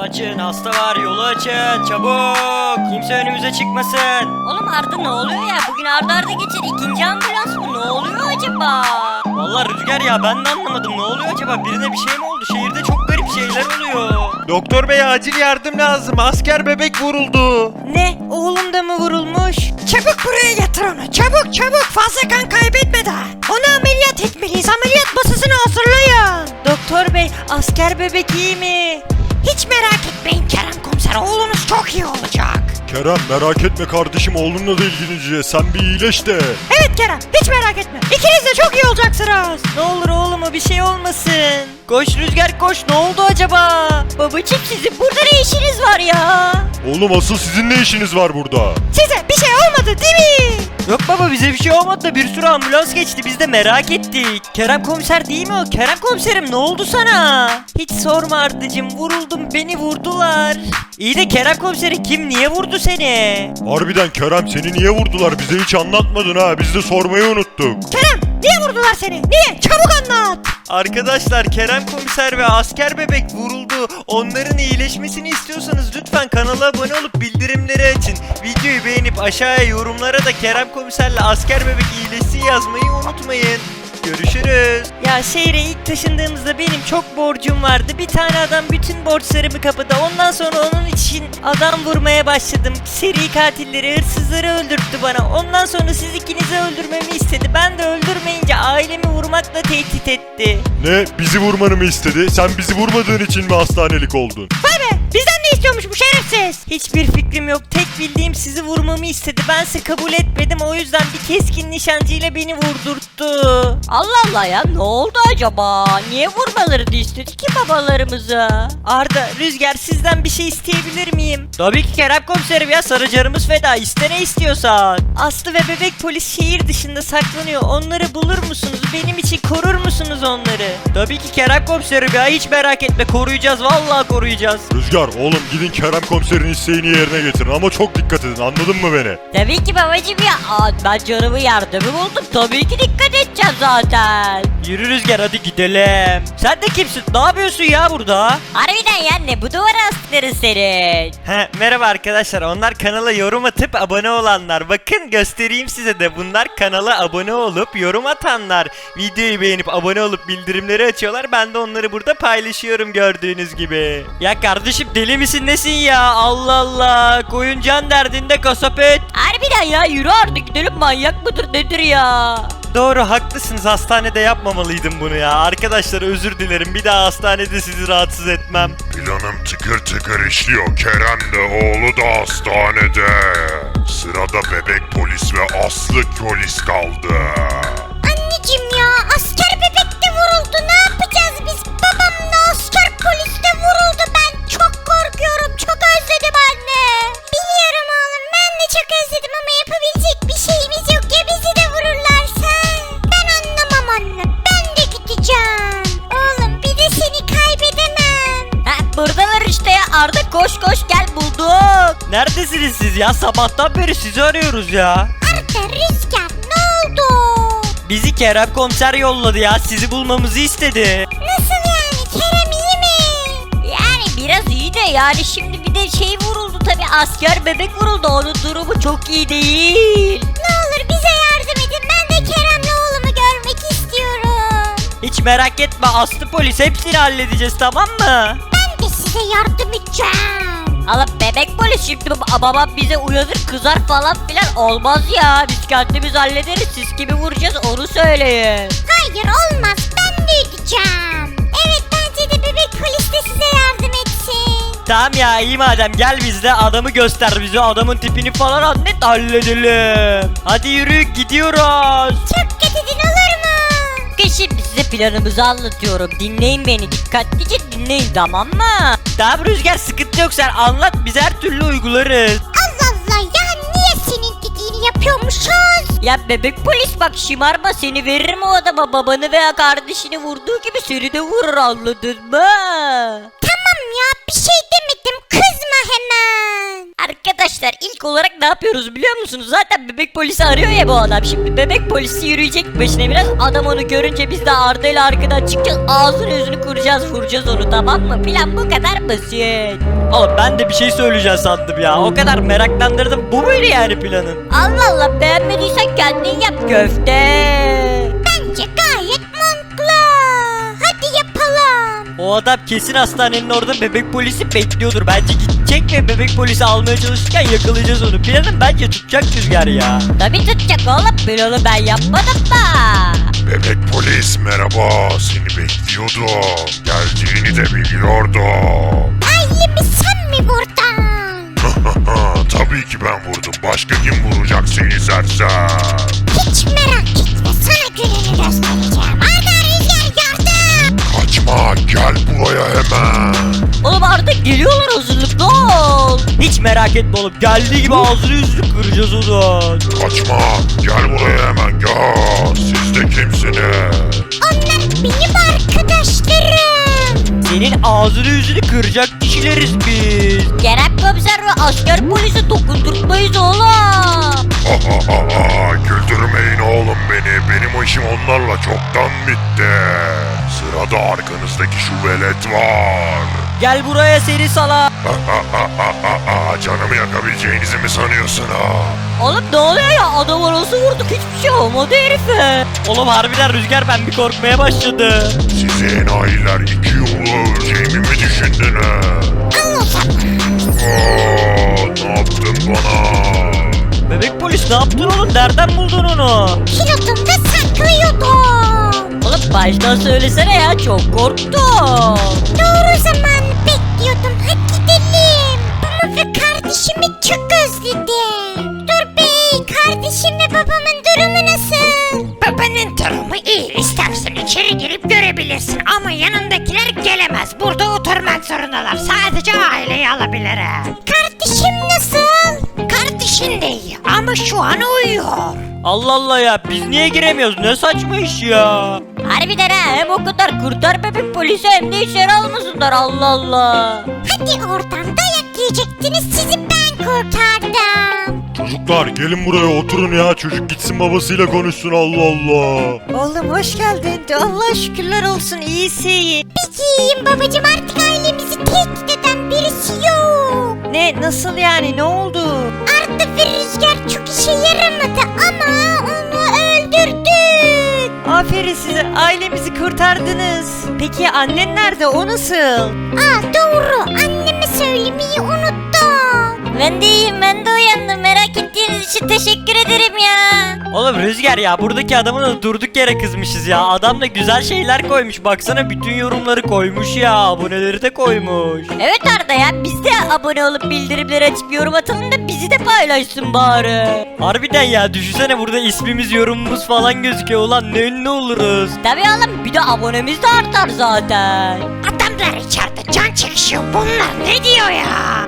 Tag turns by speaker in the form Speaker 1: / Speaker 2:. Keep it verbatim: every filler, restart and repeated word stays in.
Speaker 1: açın, hasta var, yolu açın çabuk. Kimse önümüze çıkmasın.
Speaker 2: Oğlum Arda ne oluyor ya? Bugün arda arda geçer ikinci ambulans mı? Ne oluyor acaba?
Speaker 1: Vallahi Rüzgar ya, ben de anlamadım, ne oluyor acaba? Birine bir şey mi oldu? Şehirde çok garip şeyler oluyor.
Speaker 3: Doktor bey, acil yardım lazım. Asker bebek vuruldu.
Speaker 4: Ne? Oğlum da mı vurulmuş? Çabuk buraya yatır onu. Çabuk çabuk, fazla kan kaybetmeden. Onu ameliyat etmeliyiz. Ameliyat masasını hazırlayın. Doktor bey, asker bebek iyi mi? Hiç merak etmeyin Kerem komiser. Oğlunuz çok iyi olacak.
Speaker 3: Kerem, merak etme kardeşim, oğlunla da ilgileneceğiz. Sen bir iyileş de.
Speaker 4: Evet Kerem, hiç merak etme. İkiniz de çok iyi olacaksınız. Ne olur oğluma bir şey olmasın.
Speaker 1: Koş Rüzgar koş, ne oldu acaba?
Speaker 2: Babacım sizin burada ne işiniz var ya?
Speaker 3: Oğlum, asıl sizin ne işiniz var burada?
Speaker 4: Size bir şey olmadı değil mi?
Speaker 1: Yok baba, bize bir şey olmadı da bir sürü ambulans geçti, biz de merak ettik. Kerem komiser değil mi o? Kerem komiserim, ne oldu sana?
Speaker 4: Hiç sorma Ardıcım, vuruldum, beni vurdular.
Speaker 1: İyi de Kerem komiseri kim, niye vurdu seni?
Speaker 3: Harbiden Kerem, seni niye vurdular? Bize hiç anlatmadın ha. Biz de sormayı unuttuk.
Speaker 4: Kerem, niye vurdular seni? Niye? Çabuk anlat.
Speaker 1: Arkadaşlar, Kerem komiser ve asker bebek vuruldu. Onların iyileşmesini istiyorsanız lütfen kanala abone olup bildirimleri açın. Videoyu beğenip aşağıya yorumlara da Kerem komiserle asker bebek iyileşsin yazmayı unutmayın. Görüşürüz.
Speaker 4: Ya şehre ilk taşındığımızda benim çok borcum vardı. Bir tane adam bütün borçlarımı kapadı. Ondan sonra onun için adam vurmaya başladım. Seri katilleri, hırsızları öldürttü bana. Ondan sonra siz ikinizi öldürmemi istedi. Ben de öldürmeyince ailemi vurmakla tehdit etti.
Speaker 3: Ne? Bizi vurmanı mı istedi? Sen bizi vurmadığın için mi hastanelik oldun?
Speaker 4: Vay be! Bizden ne istiyormuş bu şerefsiz? Hiçbir fikrim yok. Tek bildiğim sizi vurmamı istedi. Bense kabul etmedim. O yüzden bir keskin nişancıyla beni vurdurttu.
Speaker 2: Allah Allah ya, ne oldu acaba? Niye vurmalarını istedi ki babalarımızı?
Speaker 4: Arda, Rüzgar, sizden bir şey isteyebilir miyim?
Speaker 1: Tabii ki Kerem komiserim ya, sarıcarımız feda, iste ne istiyorsan.
Speaker 4: Aslı ve bebek polis şehir dışında saklanıyor. Onları bulur musunuz? Benim için korur musunuz onları?
Speaker 1: Tabii ki Kerem komiserim ya, hiç merak etme, koruyacağız, vallahi koruyacağız.
Speaker 3: Rüzgar, oğlum gidin Kerem komiserin isteğini yerine getirin ama çok dikkat edin, anladın mı beni?
Speaker 2: Tabii ki babacım ya. Aa, ben canımı yardımı buldum. Tabii ki dikkat edeceğim zaten.
Speaker 1: Yürü Rüzgar, hadi gidelim. Sen de kimsin? Ne yapıyorsun ya burada?
Speaker 2: Harbiden ya, ne bu duvara astıkları senin?
Speaker 1: He, merhaba arkadaşlar, onlar kanala yorum atıp abone olanlar. Bakın göstereyim size de, bunlar kanala abone olup yorum atanlar. Videoyu beğenip abone olup bildirimleri açıyorlar. Ben de onları burada paylaşıyorum gördüğünüz gibi. Ya kardeşim, deli misin nesin ya? Allah Allah, koyun can derdinde kasap et.
Speaker 2: Harbiden ya, yürü artık gidelim, manyak mıdır nedir ya?
Speaker 1: Doğru, haklısınız, hastanede yapmamalıydım bunu ya. Arkadaşlar özür dilerim, bir daha hastanede sizi rahatsız etmem.
Speaker 5: Planım tıkır tıkır işliyor. Kerem de oğlu da hastanede. Sırada bebek polis ve Aslı polis kaldı.
Speaker 6: Anneciğim ya, asker bebek de vuruldu. Ne yapacağız biz? Babam da asker polis de vuruldu. Ben çok korkuyorum. Çok özledim anne. Biliyorum oğlum, ben de çok özledim ama yapabilecek bir şeyimiz yok. Ya bizi de vururlarsa? Ben anlamam anne. Ben de gideceğim. Oğlum, bir de seni kaybedemem.
Speaker 2: Ha, buradalar işte ya. Arda koş koş gel, bulduk.
Speaker 1: Neredesiniz siz ya? Sabahtan beri sizi arıyoruz ya.
Speaker 6: Arda, Rüzgar, ne oldu?
Speaker 1: Bizi Kerem komiser yolladı ya, sizi bulmamızı istedi.
Speaker 6: Nasıl yani? Kerem iyi mi?
Speaker 2: Yani biraz iyi de, yani şimdi bir de şey vuruldu tabi, asker bebek vuruldu, onun durumu çok iyi değil.
Speaker 6: Ne olur bize yardım edin. Ben de Kerem'le oğlumu görmek istiyorum.
Speaker 1: Hiç merak etme, Aslı polis, hepsini halledeceğiz, tamam mı?
Speaker 6: Ben de size yardım edeceğim.
Speaker 2: Allah, bebek polis şimdi bab- babam bize uyanır kızar falan filan, olmaz ya, biz kendimiz hallederiz, siz kimi vuracağız onu söyleyin.
Speaker 6: Hayır, olmaz. Ben de edeceğim. Evet, bence de bebek polis de size yardım etsin.
Speaker 1: Tamam ya, iyi madem, gel bizde, adamı göster bize, adamın tipini falan anlat, halledelim. Hadi yürü, gidiyoruz.
Speaker 6: Çok dikkat edin, olur mu?
Speaker 2: Şimdi size planımızı anlatıyorum, dinleyin beni, dikkatlice dinleyin, tamam mı?
Speaker 1: Tamam Rüzgar, sıkıntı yok, sen anlat, biz her türlü uygularız.
Speaker 6: Allah Allah ya, niye senin dediğini yapıyormuşuz?
Speaker 2: Ya bebek polis bak, şımarma, seni veririm o adama, babanı veya kardeşini vurduğu gibi seni de vurur, anladın mı?
Speaker 6: Tamam ya, bir şey demedim, kızma hemen.
Speaker 2: Arkadaşlar ilk İlk olarak ne yapıyoruz biliyor musunuz? Zaten bebek polisi arıyor ya bu adam. Şimdi bebek polisi yürüyecek başına biraz. Adam onu görünce biz de Arda ile arkadan çıkacağız. Ağzını yüzünü kıracağız, vuracağız onu, tamam mı? Plan bu kadar basit.
Speaker 4: Oğlum ben de bir şey söyleyeceğim sandım ya. O kadar meraklandırdım. Bu muydu yani planın?
Speaker 2: Allah Allah, beğenmediysen kendin yap köfte.
Speaker 6: Bence gayet mantıklı. Hadi yapalım.
Speaker 4: O adam kesin hastanenin orada bebek polisi bekliyordur. Bence gidecek ve bebek polisi almaya çalışırken yakalayacağız onu. Planın bence tutacak Rüzgar ya.
Speaker 2: Tabii tutacak oğlum, planı ben yapmadım da.
Speaker 5: Bebek polis merhaba, seni bekliyordum. Geldiğini de biliyordum.
Speaker 6: Ailemi sen mi vurdun?
Speaker 5: Tabii ki ben vurdum. Başka kim vuracak seni sersem?
Speaker 6: Hiç merak etme, sana gününü göstereceğim. Arda, Rüzgar yardım.
Speaker 5: Kaçma, gel buraya hemen.
Speaker 2: Oğlum artık geliyorlar, hazırlıklı ol.
Speaker 4: Hiç merak etme oğlum. Geldiği gibi ağzını yüzünü kıracağız onu.
Speaker 5: Kaçma, gel buraya hemen gel. Siz de kimsiniz?
Speaker 6: Onlar benim arkadaşlarım.
Speaker 4: Senin ağzını yüzünü kıracak kişileriz biz.
Speaker 2: Kerem komiser ve asker polisi dokundurtmayız oğlum.
Speaker 5: Güldürmeyin oğlum beni. Benim işim onlarla çoktan bitti. Sırada arkanızdaki şu velet var.
Speaker 4: Gel buraya seni salak.
Speaker 5: Canımı yakabileceğinizi mi sanıyorsun ha?
Speaker 2: Oğlum ne oluyor ya, adam arası vurduk, hiçbir şey olmadı herife.
Speaker 4: Oğlum harbiden Rüzgar, ben bir korkmaya başladım.
Speaker 5: Siz enayiler iki yolu öleceğimi mi düşündünüz? Aa, ne yaptın bana?
Speaker 4: Bebek polis ne yaptın oğlum? Nereden buldun onu?
Speaker 6: Pilotumda saklıyordum.
Speaker 2: Oğlum baştan söylesene ya, çok korktum.
Speaker 6: Doğru zaman bekliyordum. Hadi gidelim. Babamı ve kardeşimi çok özledim. Dur bey, kardeşim ve babamın durumu nasıl?
Speaker 7: Babanın durumu iyi. İstersen içeri girip görebilirsin ama yanındakiler gelemez. Burada oturmak zorundalar. Sadece aileyi alabilirim.
Speaker 6: Kardeşim nasıl?
Speaker 7: Kardeşin de iyi ama şu an uyuyor.
Speaker 4: Allah Allah ya, biz niye giremiyoruz? Ne saçma iş ya.
Speaker 2: Harbiden ha, hem o kadar kurtar bebek polisi hem de içeri almasınlar, Allah Allah.
Speaker 6: Hadi oradan dayak yiyecektiniz, sizi ben kurtardım.
Speaker 3: Çocuklar gelin buraya oturun ya. Çocuk gitsin babasıyla konuşsun, Allah Allah.
Speaker 4: Oğlum hoş geldin. Allah şükürler olsun, iyisin.
Speaker 6: Peki iyiyim babacım, artık ailemizi tehdit eden birisi yok.
Speaker 4: Ne, nasıl yani, ne oldu?
Speaker 6: Arda ve Rüzgar çok işe yaramadı ama onu öldürdük.
Speaker 4: Aferin size, ailemizi kurtardınız. Peki annen nerede, o nasıl?
Speaker 6: Aa doğru, anneme söylemeyi unuttum.
Speaker 2: Ben de iyiyim, ben de uyandım, merak ettiğiniz için teşekkür ederim ya.
Speaker 4: Oğlum Rüzgar ya, buradaki adamı da durduk yere kızmışız ya. Adam da güzel şeyler koymuş, baksana bütün yorumları koymuş ya, aboneleri de koymuş.
Speaker 2: Evet Arda ya, biz de abone olup bildirimleri açıp yorum atalım da bizi de paylaşsın bari.
Speaker 4: Harbiden ya, düşünsene burada ismimiz, yorumumuz falan gözüküyor, ulan ne ünlü oluruz.
Speaker 2: Tabii oğlum, bir de abonemiz de artar zaten.
Speaker 7: Adamlar içeride can çekişiyor. Bunlar ne diyor ya?